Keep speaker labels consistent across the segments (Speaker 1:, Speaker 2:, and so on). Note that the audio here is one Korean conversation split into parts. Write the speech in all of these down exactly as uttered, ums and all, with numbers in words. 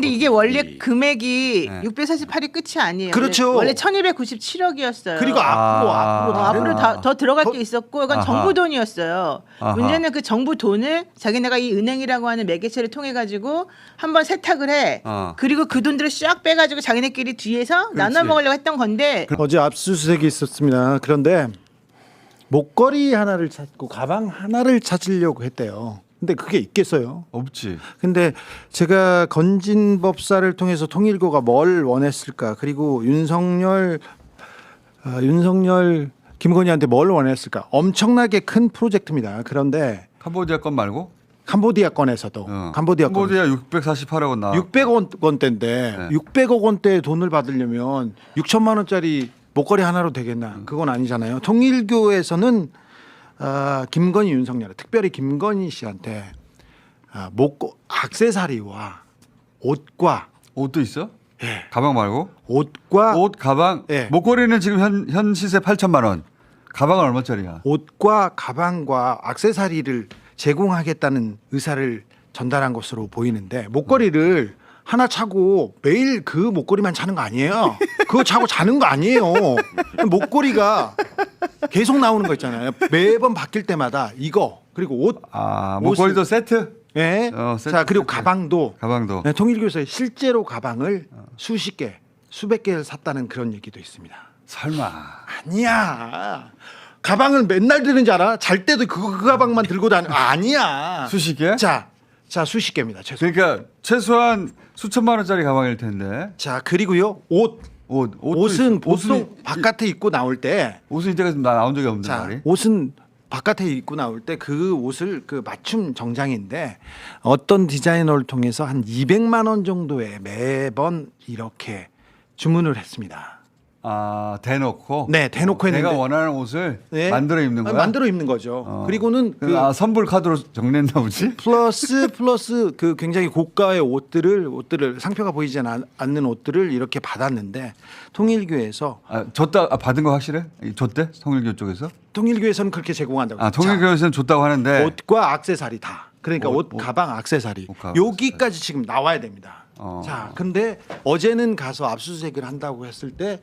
Speaker 1: 근데 이게 원래
Speaker 2: 이-
Speaker 1: 금액이
Speaker 3: 네.
Speaker 1: 육백사십팔이 끝이 아니에요.
Speaker 4: 그렇죠.
Speaker 1: 원래 천이백구십칠억이었어요.
Speaker 4: 그리고 앞으로
Speaker 3: 아.
Speaker 4: 앞으로
Speaker 1: 어,
Speaker 4: 다른
Speaker 1: 앞으로 다, 더 들어갈
Speaker 4: 더-
Speaker 1: 게 있었고 이건
Speaker 3: 아하.
Speaker 1: 정부 돈이었어요.
Speaker 3: 아하.
Speaker 1: 문제는 그 정부 돈을 자기네가 이 은행이라고 하는 매개체를 통해 가지고 한번 세탁을 해.
Speaker 3: 어.
Speaker 1: 그리고 그 돈들을 쫙 빼가지고 자기네끼리 뒤에서 나눠 먹으려고 했던 건데
Speaker 4: 어제 압수수색이 있었습니다. 그런데 목걸이 하나를 찾고 가방 하나를 찾으려고 했대요. 근데 그게 있겠어요?
Speaker 3: 없지.
Speaker 4: 근데 제가 건진법사를 통해서 통일교가 뭘 원했을까? 그리고 윤석열 아, 윤석열 김건희한테 뭘 원했을까? 엄청나게 큰 프로젝트입니다. 그런데
Speaker 3: 캄보디아 건 말고?
Speaker 4: 캄보디아 건에서도
Speaker 3: 어.
Speaker 4: 캄보디아 건
Speaker 3: 캄보디아 육백사십팔억 나와.
Speaker 4: 육백억 원대인데
Speaker 3: 네.
Speaker 4: 육백억 원대 돈을 받으려면 육천만 원짜리 목걸이 하나로 되겠나? 그건 아니잖아요. 통일교에서는 아, 김건희 윤석열, 특별히 김건희 씨한테 아, 목 액세서리와 옷과
Speaker 3: 옷도 있어?
Speaker 4: 예.
Speaker 3: 가방 말고?
Speaker 4: 옷과
Speaker 3: 옷, 가방.
Speaker 4: 예.
Speaker 3: 목걸이는 지금 현, 현 시세 팔천만 원. 가방은 얼마짜리야?
Speaker 4: 옷과 가방과 액세서리를 제공하겠다는 의사를 전달한 것으로 보이는데 목걸이를 하나 차고 매일 그 목걸이만 차는 거 아니에요. 그거 차고 자는 거 아니에요. 목걸이가 계속 나오는 거 있잖아요. 매번 바뀔 때마다 이거 그리고 옷.
Speaker 3: 아, 목걸이도
Speaker 4: 옷을-
Speaker 3: 세트?
Speaker 4: 예.
Speaker 3: 어, 세트,
Speaker 4: 자 그리고
Speaker 3: 세트.
Speaker 4: 가방도
Speaker 3: 가방도.
Speaker 4: 네, 통일교에서 실제로 가방을 수십 개, 수백 개를 샀다는 그런 얘기도 있습니다.
Speaker 3: 설마.
Speaker 4: 아니야. 가방을 맨날 드는 줄 알아? 잘 때도 그, 그 가방만 들고 다녀. 아니야.
Speaker 3: 수십 개?
Speaker 4: 자, 자 수십 개입니다. 최소.
Speaker 3: 그러니까 최소한 수천만 원짜리 가방일 텐데.
Speaker 4: 자 그리고요 옷.
Speaker 3: 옷, 옷도
Speaker 4: 옷은
Speaker 3: 있-
Speaker 4: 보통
Speaker 3: 옷은,
Speaker 4: 바깥에 입고 나올 때,
Speaker 3: 옷은 이때까지 나 나온 적이 없는데
Speaker 4: 자
Speaker 3: 말이.
Speaker 4: 옷은 바깥에 입고 나올 때 그 옷을 그 맞춤 정장인데 어떤 디자이너를 통해서 한 이백만 원 정도에 매번 이렇게 주문을 했습니다.
Speaker 3: 아, 대놓고.
Speaker 4: 네, 대놓고
Speaker 3: 내가
Speaker 4: 했는데.
Speaker 3: 원하는 옷을
Speaker 4: 네.
Speaker 3: 만들어 입는 거야.
Speaker 4: 만들어 입는 거죠.
Speaker 3: 어.
Speaker 4: 그리고는 그
Speaker 3: 아, 선불 카드로 정리했나 보지?
Speaker 4: 플러스 플러스 그 굉장히 고가의 옷들을 옷들을 상표가 보이지 않- 않는 옷들을 이렇게 받았는데 통일교에서
Speaker 3: 아, 줬다 아, 받은 거 확실해? 이 줬대? 통일교 쪽에서?
Speaker 4: 통일교에서는 그렇게 제공한다고.
Speaker 3: 아, 통일교에서는 줬다고 하는데.
Speaker 4: 자, 옷과 액세서리 다. 그러니까 옷,
Speaker 3: 옷, 옷.
Speaker 4: 가방, 액세서리
Speaker 3: 옷, 가방,
Speaker 4: 여기까지 지금 나와야 됩니다.
Speaker 3: 어.
Speaker 4: 자, 근데 어제는 가서 압수수색을 한다고 했을 때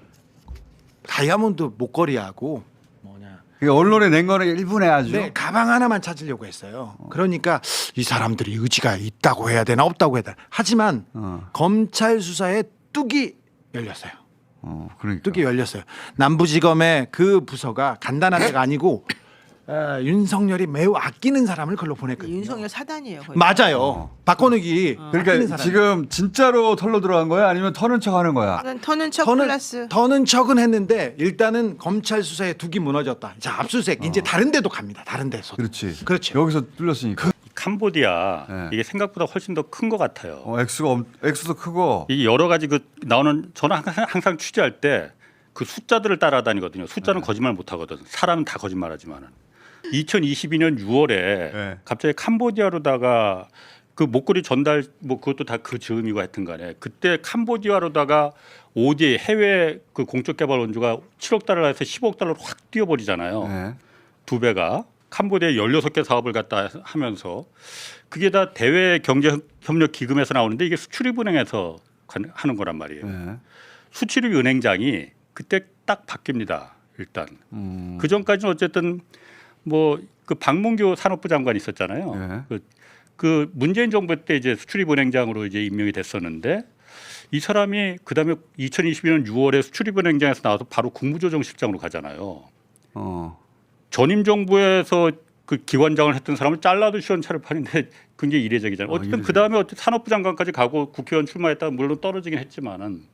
Speaker 4: 다이아몬드 목걸이하고 뭐냐
Speaker 3: 그러니까 언론에 낸 거는 일분에 아주.
Speaker 4: 네, 가방 하나만 찾으려고 했어요. 그러니까 이 사람들이 의지가 있다고 해야 되나 없다고 해야 되나. 하지만
Speaker 3: 어.
Speaker 4: 검찰 수사에 뚝이 열렸어요.
Speaker 3: 어, 그러니까.
Speaker 4: 뚝이 열렸어요. 남부지검의 그 부서가 간단한 데가 아니고 어, 윤석열이 매우 아끼는 사람을 걸로 보냈거든요.
Speaker 1: 윤석열 사단이에요. 거의.
Speaker 4: 맞아요.
Speaker 3: 어.
Speaker 4: 박건욱이 아끼는
Speaker 3: 그러니까
Speaker 4: 사람.
Speaker 3: 지금 진짜로 털로 들어간 거야? 아니면 터는 척 하는 거야?
Speaker 1: 이건 터는 척
Speaker 4: 더는
Speaker 1: 플러스.
Speaker 4: 더는 척은 했는데 일단은 검찰 수사에 둑이 무너졌다. 자 압수수색 이제
Speaker 3: 어.
Speaker 4: 다른 데도 갑니다. 다른 데서.
Speaker 3: 그렇지.
Speaker 4: 그렇죠.
Speaker 3: 여기서 뚫렸으니까.
Speaker 2: 캄보디아
Speaker 3: 네.
Speaker 2: 이게 생각보다 훨씬 더 큰 것 같아요.
Speaker 3: 어, 액수가 엄, 액수도 크고.
Speaker 2: 이 여러 가지 그 나오는 저는 항상, 항상 취재할 때 그 숫자들을 따라다니거든요. 숫자는
Speaker 3: 네.
Speaker 2: 거짓말 못 하거든. 사람은 다 거짓말하지만은. 이천이십이 년 유월에
Speaker 3: 네.
Speaker 2: 갑자기 캄보디아로다가 그 목걸이 전달 뭐 그것도 다 그 즈음이고 하여튼간에 그때 캄보디아로다가 오디에이 해외 그 공적 개발 원조가 칠억 달러에서 십억 달러로 확 뛰어버리잖아요.
Speaker 3: 네.
Speaker 2: 두 배가 캄보디아 열여섯 개 사업을 갖다 하면서 그게 다 대외 경제 협력 기금에서 나오는데 이게 수출입은행에서 하는 거란 말이에요.
Speaker 3: 네.
Speaker 2: 수출입은행장이 그때 딱 바뀝니다. 일단
Speaker 3: 음.
Speaker 2: 그 전까지는 어쨌든 뭐 그 박문규 산업부 장관이 있었잖아요.
Speaker 3: 네.
Speaker 2: 그, 그 문재인 정부 때 이제 수출입은행장으로 이제 임명이 됐었는데 이 사람이 그다음에 이천이십이 년 유월에 수출입은행장에서 나와서 바로 국무조정실장으로 가잖아요.
Speaker 3: 어.
Speaker 2: 전임 정부에서 그 기관장을 했던 사람을 잘라도 시원찮을 판인데 굉장히 이례적이잖아요.
Speaker 3: 어,
Speaker 2: 어쨌든
Speaker 3: 이례적.
Speaker 2: 그 다음에 어쨌든 산업부 장관까지 가고 국회의원 출마했다가 물론 떨어지긴 했지만은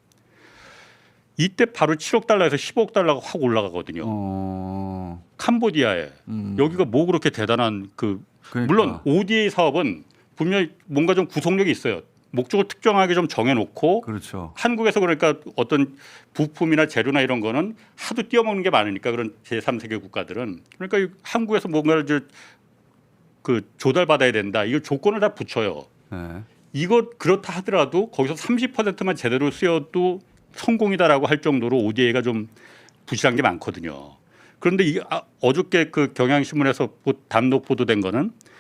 Speaker 2: 이때 바로 칠억 달러에서 십억 달러가 확 올라가거든요.
Speaker 3: 어.
Speaker 2: 캄보디아에
Speaker 3: 음.
Speaker 2: 여기가 뭐 그렇게 대단한 그
Speaker 3: 그러니까.
Speaker 2: 물론 오디에이 사업은 분명히 뭔가 좀 구속력이 있어요. 목적을 특정하게 좀 정해놓고
Speaker 3: 그렇죠.
Speaker 2: 한국에서 그러니까 어떤 부품이나 재료나 이런 거는 하도 뛰어먹는 게 많으니까 그런 제삼 세계 국가들은 그러니까 이 한국에서 뭔가를 이제 그 조달받아야 된다. 이거 조건을 다 붙여요.
Speaker 3: 네.
Speaker 2: 이거 그렇다 하더라도 거기서 삼십 퍼센트만 제대로 쓰여도 성공이다라고 할 정도로 오디에이가 좀 부실한 게 많거든요. 그런데 이 아, 어저께 그 경향신문에서 보- 단독 보도된 거는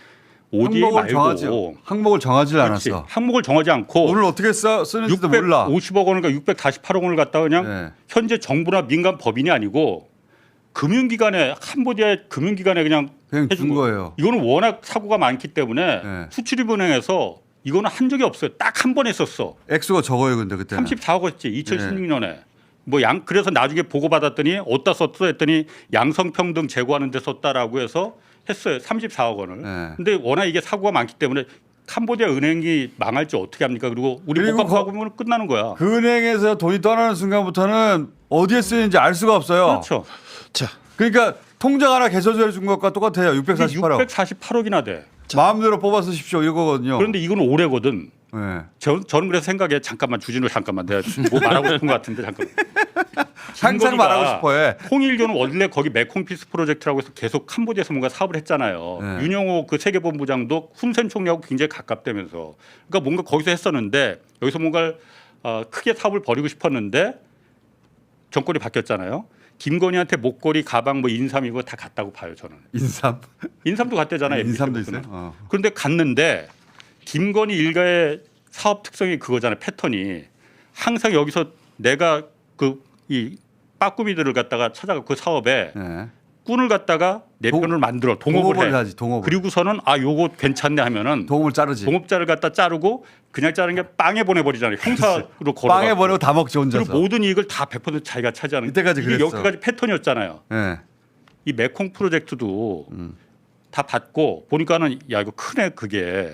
Speaker 2: 오디에이
Speaker 3: 항목을
Speaker 2: 말고
Speaker 3: 정하지 항목을 정하지
Speaker 2: 그렇지.
Speaker 3: 않았어.
Speaker 2: 항목을 정하지 않고
Speaker 3: 오늘 어떻게 써 쓰는지도 몰라.
Speaker 2: 육백오십억 원인가 육백사십팔억 원을 갖다 그냥
Speaker 3: 네.
Speaker 2: 현재 정부나 민간 법인이 아니고 금융기관에 캄보디아의 금융기관에 그냥
Speaker 3: 그냥
Speaker 2: 해준
Speaker 3: 준
Speaker 2: 거.
Speaker 3: 거예요.
Speaker 2: 이거는 워낙 사고가 많기 때문에
Speaker 3: 네.
Speaker 2: 수출입은행에서 이거는 한 적이 없어요. 딱 한 번 했었어.
Speaker 3: 액수가 적어요, 근데 그때.
Speaker 2: 삼십사억 원이었지 이천십육 년에. 뭐 양 그래서 나중에 보고 받았더니 어디다 썼어 했더니 양성평등 제고하는 데 썼다라고 해서 했어요. 삼십사억 원을.
Speaker 3: 네.
Speaker 2: 근데 워낙 이게 사고가 많기 때문에 캄보디아 은행이 망할지 어떻게 합니까? 그리고 우리
Speaker 3: 그리고
Speaker 2: 못 갚아보면 끝나는 거야.
Speaker 3: 그 은행에서 돈이 떠나는 순간부터는 어디에 쓰이는지 알 수가 없어요.
Speaker 2: 그렇죠.
Speaker 4: 자,
Speaker 3: 그러니까 통장 하나 개설해 준 것과 똑같아요. 육백사십팔억.
Speaker 2: 육백사십팔억이나 돼.
Speaker 3: 마음대로 뽑아 쓰십시오 이거거든요.
Speaker 2: 그런데 이건 올해거든.
Speaker 3: 네.
Speaker 2: 저, 저는 그래서 생각해 잠깐만 주진우 잠깐만 내가 뭐 말하고 싶은 것 같은데 잠깐만.
Speaker 3: 항상
Speaker 2: 김건희가
Speaker 3: 말하고 싶어해.
Speaker 2: 통일교는 원래 거기 메콩피스 프로젝트라고 해서 계속 캄보디아에서 뭔가 사업을 했잖아요.
Speaker 3: 네.
Speaker 2: 윤영호 그 세계본부장도 훈센 총리하고 굉장히 가깝다면서. 그러니까 뭔가 거기서 했었는데 여기서 뭔가 어, 크게 사업을 벌이고 싶었는데 정권이 바뀌었잖아요. 김건희한테 목걸이, 가방, 뭐 인삼 이거 다 갔다고 봐요 저는.
Speaker 3: 인삼.
Speaker 2: 인삼도 갔대잖아요.
Speaker 3: 인삼도
Speaker 2: 엠비씨
Speaker 3: 있어요.
Speaker 2: 부분은.
Speaker 3: 어.
Speaker 2: 그런데 갔는데 김건희 일가의 사업 특성이 그거잖아요. 패턴이 항상 여기서 내가 그 이 빠꾸미들을 갖다가 찾아가 그 사업에
Speaker 3: 네.
Speaker 2: 꾼을 갖다가 내
Speaker 3: 동-
Speaker 2: 편을 만들어 동업을,
Speaker 3: 동업을
Speaker 2: 해.
Speaker 3: 하지. 동업을.
Speaker 2: 그리고서는 아 요거 괜찮네 하면은
Speaker 3: 동업을 자르지.
Speaker 2: 동업자를 갖다 자르고 그냥 자르는 게 빵에 보내버리잖아요. 형사로 걸어.
Speaker 3: 빵에 버리고 다 먹지 혼자서.
Speaker 2: 그리고 모든 이익을 다 백 퍼센트 자기가 차지하는.
Speaker 3: 이때까지
Speaker 2: 이게
Speaker 3: 그랬어.
Speaker 2: 여기까지 패턴이었잖아요.
Speaker 3: 네.
Speaker 2: 이 메콩 프로젝트도
Speaker 3: 음.
Speaker 2: 다 받고 보니까는 야 이거 크네 그게.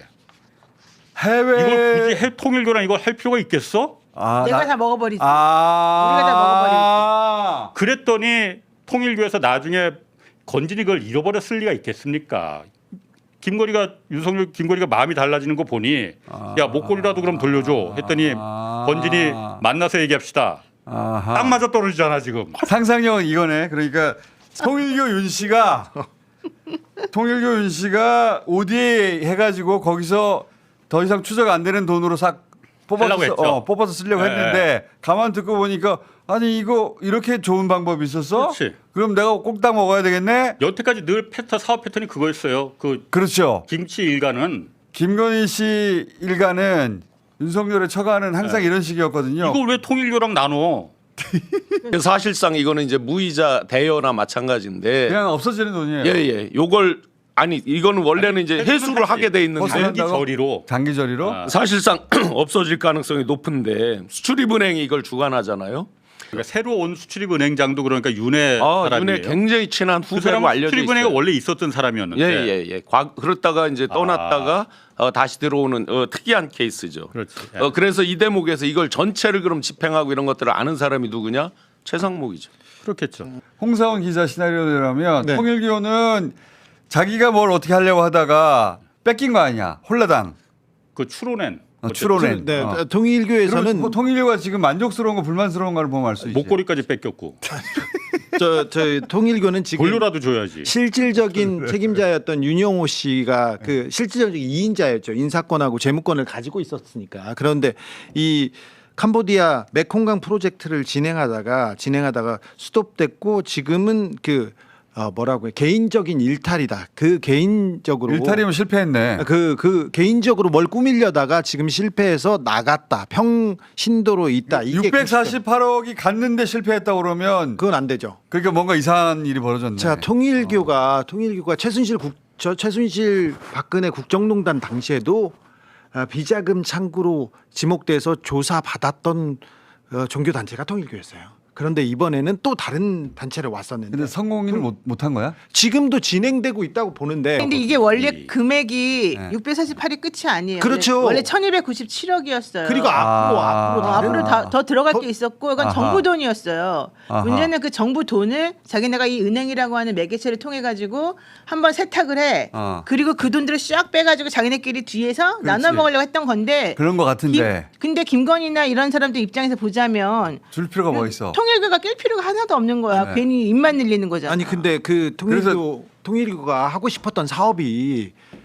Speaker 3: 해외.
Speaker 2: 이걸 굳이 해 통일교랑 이걸 할 필요가 있겠어?
Speaker 3: 아,
Speaker 1: 내가
Speaker 3: 나-
Speaker 1: 다 먹어버리지.
Speaker 3: 아.
Speaker 1: 우리가 다
Speaker 2: 그랬더니 통일교에서 나중에 건진이 그걸 잃어버렸을 리가 있겠습니까? 김건희가 윤석열 김건희가 마음이 달라지는 거 보니
Speaker 3: 아.
Speaker 2: 야 목걸이라도 그럼 돌려줘 했더니
Speaker 3: 아.
Speaker 2: 건진이 만나서 얘기합시다.
Speaker 3: 아하.
Speaker 2: 딱 맞아 떨어지잖아 지금.
Speaker 3: 상상력은 이거네. 그러니까 통일교 윤 씨가 통일교 윤 씨가 오디에이 해가지고 거기서 더 이상 추적 안 되는 돈으로 싹 뽑아서
Speaker 2: 하려고
Speaker 3: 쓰-
Speaker 2: 했죠.
Speaker 3: 어, 뽑아서 쓰려고
Speaker 2: 네.
Speaker 3: 했는데 가만 듣고 보니까 아니 이거 이렇게 좋은 방법이 있었어?
Speaker 2: 그렇지.
Speaker 3: 그럼 내가 꽁딱 먹어야 되겠네.
Speaker 2: 여태까지 늘 패턴 사업 패턴이 그거였어요. 그
Speaker 3: 그렇죠.
Speaker 2: 김치 일가는
Speaker 3: 김건희 씨 일가는 윤석열의 처가는 항상 이런 식이었거든요.
Speaker 2: 이걸 왜 통일교랑 나눠?
Speaker 5: 사실상 이거는 이제 무이자 대여나 마찬가지인데
Speaker 3: 그냥 없어지는 돈이에요.
Speaker 5: 예예 요걸 아니 이거는 원래는 이제
Speaker 2: 아니,
Speaker 5: 회수를
Speaker 2: 하지.
Speaker 5: 하게 돼 있는데
Speaker 3: 벗어난다고?
Speaker 2: 장기 저리로.
Speaker 3: 장기저리로
Speaker 2: 아.
Speaker 5: 사실상 없어질 가능성이 높은데 수출입은행이 이걸 주관하잖아요.
Speaker 2: 그러니까 새로 온 수출입은행장도 그러니까 윤회
Speaker 5: 아,
Speaker 2: 사람이에요.
Speaker 5: 눈에 굉장히 친한
Speaker 2: 그
Speaker 5: 후배로
Speaker 2: 사람은
Speaker 5: 알려져
Speaker 2: 수출입은행에
Speaker 5: 있어요.
Speaker 2: 원래 있었던 사람이었는데.
Speaker 5: 예예예. 예, 예. 과- 그렇다가 이제 떠났다가 어, 다시 들어오는 어, 특이한 케이스죠.
Speaker 2: 그렇지.
Speaker 5: 어, 그래서 이 대목에서 이걸 전체를 그럼 집행하고 이런 것들을 아는 사람이 누구냐? 최상목이죠.
Speaker 2: 그렇겠죠.
Speaker 3: 홍사원 기자 시나리오라면
Speaker 4: 네.
Speaker 3: 통일교는 자기가 뭘 어떻게 하려고 하다가 뺏긴 거 아니야. 홀라당.
Speaker 2: 그 추론엔
Speaker 3: 어, 추론엔.
Speaker 4: 네,
Speaker 3: 어.
Speaker 4: 통일교에서는
Speaker 3: 그러면 통일교가 지금 만족스러운 거 불만스러운 거를 보면 알 수 있지.
Speaker 2: 목걸이까지 뺏겼고
Speaker 4: 저, 저 통일교는 지금
Speaker 2: 돌려라도 줘야지.
Speaker 4: 실질적인 책임자였던 윤영호 씨가 그 실질적인 이인자였죠. 인사권하고 재무권을 가지고 있었으니까. 그런데 이 캄보디아 메콩강 프로젝트를 진행하다가 진행하다가 스톱됐고 지금은 그 어, 뭐라고 해 개인적인 일탈이다. 그 개인적으로
Speaker 3: 일탈이면 실패했네.
Speaker 4: 그, 그 개인적으로 뭘 꾸미려다가 지금 실패해서 나갔다. 평신도로 있다. 이게
Speaker 3: 육백사십팔억이 갔는데 실패했다고 그러면
Speaker 4: 그건 안 되죠.
Speaker 3: 그러니까 뭔가 이상한 일이 벌어졌네.
Speaker 4: 자, 통일교가 통일교가 최순실 국, 저 최순실 박근혜 국정농단 당시에도 어, 비자금 창구로 지목돼서 조사 받았던 어, 종교 단체가 통일교였어요. 그런데 이번에는 또 다른 단체를 왔었는데
Speaker 3: 근데 성공을 못 못한 거야?
Speaker 4: 지금도 진행되고 있다고 보는데
Speaker 1: 근데 이게 원래
Speaker 2: 이-
Speaker 1: 금액이
Speaker 3: 네.
Speaker 1: 육백사십팔이 끝이 아니에요.
Speaker 4: 그렇죠.
Speaker 1: 원래 천이백구십칠억이었어요.
Speaker 4: 그리고 앞으로 앞으로
Speaker 1: 어,
Speaker 4: 다른
Speaker 1: 앞으로 다, 더 들어갈
Speaker 4: 더-
Speaker 1: 게 있었고 이건
Speaker 3: 아하.
Speaker 1: 정부 돈이었어요.
Speaker 3: 아하.
Speaker 1: 문제는 그 정부 돈을 자기네가 이 은행이라고 하는 매개체를 통해 가지고 한번 세탁을 해.
Speaker 3: 어.
Speaker 1: 그리고 그 돈들을 쫙 빼가지고 자기네끼리 뒤에서 나눠 먹으려고 했던 건데.
Speaker 3: 그런 거 같은데
Speaker 1: 김- 근데 김건희나 이런 사람들 입장에서 보자면
Speaker 3: 줄 필요가 뭐 있어?
Speaker 1: 통일교가 낄 필요가 하나도 없는 거야.
Speaker 3: 네.
Speaker 1: 괜히 입만 늘리는 거잖아.
Speaker 4: 아니 근데 그 통일교
Speaker 3: 그래서-
Speaker 4: 통일교가 하고 싶었던 사업이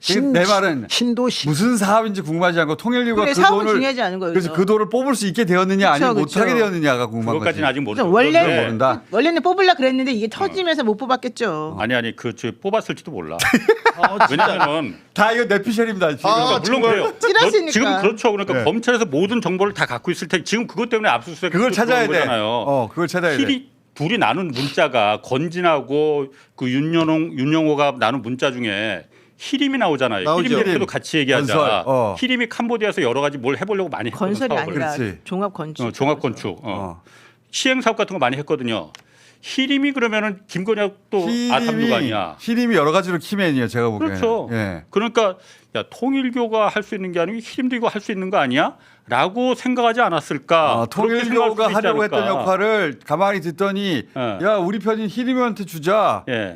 Speaker 4: 신,
Speaker 3: 내 말은
Speaker 4: 신도시
Speaker 3: 무슨 사업인지 궁금하지 않고 통일교가
Speaker 1: 그래,
Speaker 3: 그
Speaker 1: 사업은
Speaker 3: 돈을
Speaker 1: 중요하지 않은 거예요.
Speaker 3: 그래서 그 돈을 뽑을 수 있게 되었느냐
Speaker 1: 그쵸,
Speaker 3: 아니면
Speaker 1: 그쵸.
Speaker 3: 못하게 되었느냐가 궁금한
Speaker 2: 그것까지는
Speaker 3: 거지.
Speaker 2: 아직
Speaker 1: 그래서
Speaker 2: 모르죠.
Speaker 1: 원래
Speaker 2: 그런데
Speaker 3: 모른다.
Speaker 1: 원래는 뽑으려 그랬는데 이게 터지면서 못 뽑았겠죠.
Speaker 2: 아니 아니 그 저 뽑았을지도 몰라.
Speaker 4: 아, 진짜.
Speaker 2: 왜냐하면
Speaker 3: 다 이거 내피셜입니다. 지금.
Speaker 4: 아,
Speaker 2: 물론 그래요.
Speaker 1: 찌라시니까.
Speaker 2: 너- 지금 그렇죠. 그러니까
Speaker 3: 네.
Speaker 2: 검찰에서 모든 정보를 다 갖고 있을 테니 지금 그것 때문에 압수수색
Speaker 3: 그걸 찾아야 돼.
Speaker 2: 거잖아요.
Speaker 3: 어, 그걸 찾아야 돼.
Speaker 2: 힐이 둘이 나눈 문자가 건진하고 그 윤여홍 윤영호가 나눈 문자 중에 히림이 나오잖아요.
Speaker 4: 나오죠.
Speaker 2: 히림 대표도
Speaker 3: 히림.
Speaker 2: 같이 얘기하자.
Speaker 3: 건설, 어.
Speaker 2: 히림이 캄보디아에서 여러 가지 뭘 해보려고 많이 했거든.
Speaker 1: 건설이
Speaker 2: 사업을.
Speaker 1: 아니라
Speaker 3: 그렇지.
Speaker 1: 종합 건축.
Speaker 2: 어, 종합 건축. 어.
Speaker 3: 어.
Speaker 2: 시행 사업 같은 거 많이 했거든요. 히림이 그러면은 김건희하고 또 아삼류가 아니야.
Speaker 3: 히림이 여러 가지로 키맨이에요. 제가 보기에는.
Speaker 2: 그렇죠.
Speaker 3: 예.
Speaker 2: 그러니까 야 통일교가 할 수 있는 게 아니고 히림도 이거 할 수 있는 거 아니야? 라고 생각하지 않았을까?
Speaker 3: 어,
Speaker 2: 그렇게 생각할
Speaker 3: 통일교가
Speaker 2: 수도 있지
Speaker 3: 하려고 했던
Speaker 2: 않을까?
Speaker 3: 역할을 가만히 듣더니
Speaker 2: 예.
Speaker 3: 야 우리 편인 히림한테 주자.
Speaker 2: 예.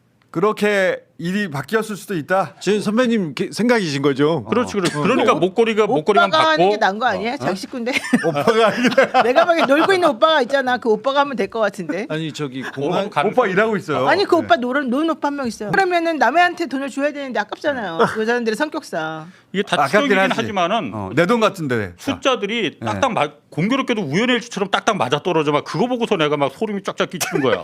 Speaker 3: 그렇게 일이 바뀌었을 수도 있다.
Speaker 4: 지금 선배님 게- 생각이신 거죠?
Speaker 2: 그렇지, 그렇지. 그러니까 목걸이가 목걸이만
Speaker 1: 오빠가 하는 게
Speaker 2: 받고
Speaker 1: 난 거 아니야? 장식군데.
Speaker 3: 오빠가 아니라
Speaker 1: 내가 보기엔 놀고 있는 오빠가 있잖아. 그 오빠가 하면 될 것 같은데.
Speaker 4: 아니 저기
Speaker 2: 오빠
Speaker 4: 공항
Speaker 2: 가는
Speaker 3: 오빠 일하고 있어요.
Speaker 1: 아니 그
Speaker 3: 네.
Speaker 1: 오빠 노는 노는 오빠 한 명 있어요. 그러면은 남한테 돈을 줘야 되는데 아깝잖아요. 그 사람들의 성격상.
Speaker 2: 이게 다
Speaker 3: 아깝긴
Speaker 2: 추정이긴
Speaker 3: 하지.
Speaker 2: 하지만은
Speaker 3: 어, 내 돈 같은데.
Speaker 2: 숫자들이 딱딱 맞 공교롭게도 우연의 일치처럼 딱딱 맞아 떨어져 막 그거 보고서 내가 막 소름이 쫙쫙 끼치는 거야.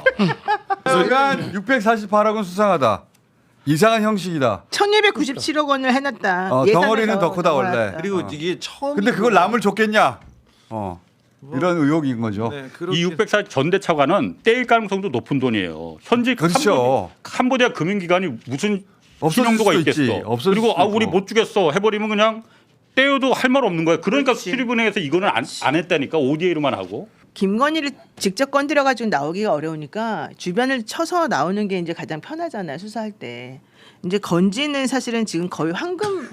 Speaker 3: 그러니까 육백사십팔억은 수상하다. 이상한 형식이다.
Speaker 1: 천이백구십칠억 원을 해놨다.
Speaker 3: 어,
Speaker 1: 예산에서
Speaker 3: 덩어리는 더 크다, 원래.
Speaker 1: 넘어갔다.
Speaker 4: 그리고
Speaker 1: 어.
Speaker 4: 이게 처음
Speaker 3: 근데 그걸 남을 줬겠냐? 어. 이런 의혹인 거죠.
Speaker 4: 네,
Speaker 2: 이 육백사 전대 차관은 떼일 가능성도 높은 돈이에요. 현재
Speaker 3: 그렇죠.
Speaker 2: 캄보, 디아 금융기관이 무슨
Speaker 3: 없어질
Speaker 2: 신용도가
Speaker 3: 수도 있지.
Speaker 2: 있겠어.
Speaker 3: 없어질
Speaker 2: 그리고
Speaker 3: 수도
Speaker 2: 아 우리
Speaker 3: 있고.
Speaker 2: 못 주겠어 해버리면 그냥 떼어도 할 말 없는 거야. 그러니까
Speaker 1: 그렇지.
Speaker 2: 수립은행에서 이거는 안, 안 했다니까 오디에이로만 하고.
Speaker 1: 김건희를 직접 건드려 가지고 나오기가 어려우니까 주변을 쳐서 나오는 게 이제 가장 편하잖아요. 수사할 때. 이제 건지는 사실은 지금 거의 황금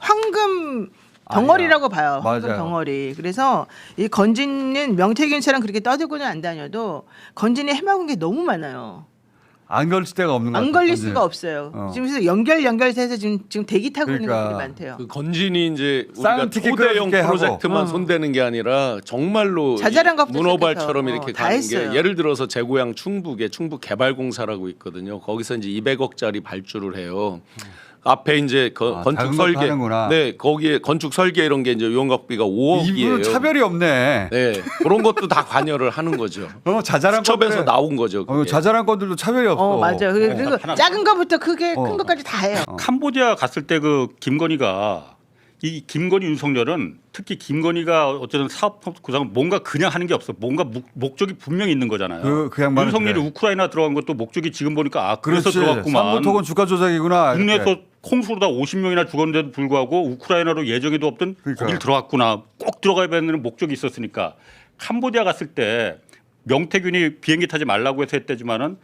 Speaker 1: 황금 덩어리라고 봐요. 황금
Speaker 3: 맞아요.
Speaker 1: 덩어리. 그래서 이 건진은 명태균처럼 그렇게 떠들고는 안 다녀도 건진이 해먹은 게 너무 많아요.
Speaker 3: 안 걸릴 데가 없는 거
Speaker 1: 안
Speaker 3: 같아요.
Speaker 1: 걸릴
Speaker 3: 건진.
Speaker 1: 수가 없어요.
Speaker 3: 어.
Speaker 1: 지금 그래서 연결 연결해서 지금 지금 대기 타고 있는
Speaker 3: 그러니까.
Speaker 1: 것들이 많대요.
Speaker 5: 그 건진이 이제 우리가
Speaker 3: 싼 티켓
Speaker 5: 초대형
Speaker 3: 끊어줄게 하고.
Speaker 5: 프로젝트만
Speaker 1: 어.
Speaker 5: 손대는 게 아니라 정말로
Speaker 1: 자잘한
Speaker 5: 이
Speaker 1: 것부터
Speaker 5: 문어발처럼
Speaker 1: 시작해서,
Speaker 5: 이렇게
Speaker 1: 어, 다
Speaker 5: 가는
Speaker 1: 했어요.
Speaker 5: 게 예를 들어서 제 고향 충북에 충북개발공사라고 있거든요. 거기서 이제 이백억짜리 발주를 해요. 앞에 이제 거-
Speaker 3: 아,
Speaker 5: 건축
Speaker 3: 작은 것도
Speaker 5: 설계,
Speaker 3: 하는구나.
Speaker 5: 네 거기에 건축 설계 이런 게 이제 용역비가 오억이에요.
Speaker 3: 이분은 차별이 없네.
Speaker 5: 네 그런 것도 다 관여를 하는 거죠.
Speaker 3: 어, 자잘한
Speaker 5: 수첩에서
Speaker 3: 건들-
Speaker 5: 나온 거죠.
Speaker 3: 어,
Speaker 5: 그게.
Speaker 3: 자잘한 건들도 차별이 없어.
Speaker 1: 어 맞아요. 그리고 그리고
Speaker 2: 하나-
Speaker 1: 작은 거부터 크게
Speaker 3: 어.
Speaker 1: 큰 것까지 다 해요.
Speaker 2: 캄보디아 갔을 때 그 김건희가 이 김건희 윤석열은 특히 김건희가 어쨌든 사업 구상 뭔가 그냥 하는 게 없어. 뭔가 목, 목적이 분명히 있는 거잖아요.
Speaker 3: 그- 그 양반은
Speaker 2: 윤석열이
Speaker 3: 그래.
Speaker 2: 우크라이나 들어간 것도 목적이 지금 보니까 아 그래서
Speaker 3: 그렇지.
Speaker 2: 들어갔구만.
Speaker 3: 삼부토건 주가 조작이구나.
Speaker 2: 국내에서
Speaker 3: 이렇게.
Speaker 2: 콩수로다 오십 명이나 죽었는데도 불구하고 우크라이나로 예정에도 없던
Speaker 3: 그러니까.
Speaker 2: 거길 들어갔구나. 꼭 들어가야 되는 목적이 있었으니까. 캄보디아 갔을 때 명태균이 비행기 타지 말라고 해서 했대지만은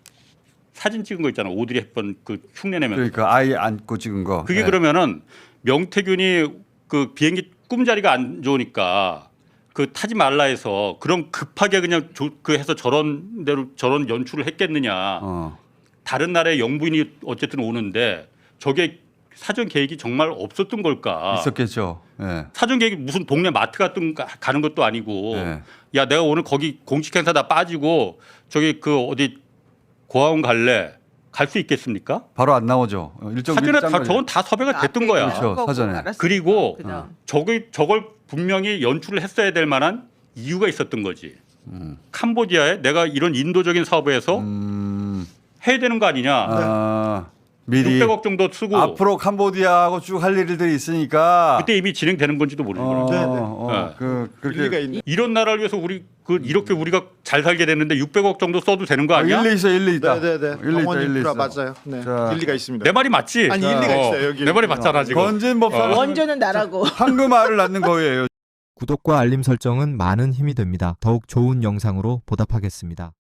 Speaker 2: 사진 찍은 거 있잖아. 오드리 헵번 그 흉내 내면서.
Speaker 3: 그러니까 아이 안고 찍은 거.
Speaker 2: 그게
Speaker 3: 네.
Speaker 2: 그러면은 명태균이 그 비행기 꿈자리가 안 좋으니까 그 타지 말라 해서 그럼 급하게 그냥 조, 그 해서 저런 대로 저런 연출을 했겠느냐.
Speaker 3: 어.
Speaker 2: 다른 나라의 영부인이 어쨌든 오는데 저게 사전 계획이 정말 없었던 걸까?
Speaker 3: 있었겠죠. 예.
Speaker 2: 사전 계획이 무슨 동네 마트 같은 거 가는 것도 아니고
Speaker 3: 네.
Speaker 2: 야 내가 오늘 거기 공식 행사 다 빠지고 저기 그 어디 고아원 갈래 갈 수 있겠습니까?
Speaker 3: 바로 안 나오죠. 어, 일정
Speaker 2: 사전에 다
Speaker 3: 일정
Speaker 2: 저건 다 섭외가 됐던
Speaker 1: 앞에
Speaker 2: 거야.
Speaker 3: 그렇죠.
Speaker 1: 거고
Speaker 3: 사전에.
Speaker 1: 알았으니까.
Speaker 2: 그리고
Speaker 1: 그다음.
Speaker 2: 저걸 저걸 분명히 연출을 했어야 될 만한 이유가 있었던 거지. 캄보디아에 내가 이런 인도적인 사업을 해서
Speaker 3: 음,
Speaker 2: 해야 되는 거 아니냐.
Speaker 3: 아, 미리
Speaker 2: 육백억 정도 쓰고
Speaker 3: 앞으로 캄보디아하고 쭉 할 일들이 있으니까
Speaker 2: 그때 이미 진행되는 건지도 모르는
Speaker 3: 어,
Speaker 2: 거예요.
Speaker 3: 어,
Speaker 2: 네.
Speaker 3: 그 그렇게
Speaker 4: 일리가 있네.
Speaker 2: 이런 나라를 위해서 우리 그 이렇게 우리가 잘 살게 됐는데 육백억 정도 써도 되는 거
Speaker 3: 아,
Speaker 2: 아니야?
Speaker 3: 일리 있어 일리 있다.
Speaker 4: 네네네.
Speaker 3: 일리 있다
Speaker 4: 병원
Speaker 3: 일리
Speaker 4: 인프라
Speaker 3: 있어.
Speaker 4: 맞아요. 네.
Speaker 3: 자.
Speaker 4: 일리가 있습니다.
Speaker 2: 내 말이 맞지?
Speaker 4: 아니, 일리가
Speaker 2: 어,
Speaker 4: 있어요, 여기.
Speaker 2: 내 말이 맞잖아 지금.
Speaker 3: 건진 법사
Speaker 1: 원조는 나라고.
Speaker 3: 황금알을 낳는 거예요.
Speaker 6: 구독과 알림 설정은 많은 힘이 됩니다. 더욱 좋은 영상으로 보답하겠습니다.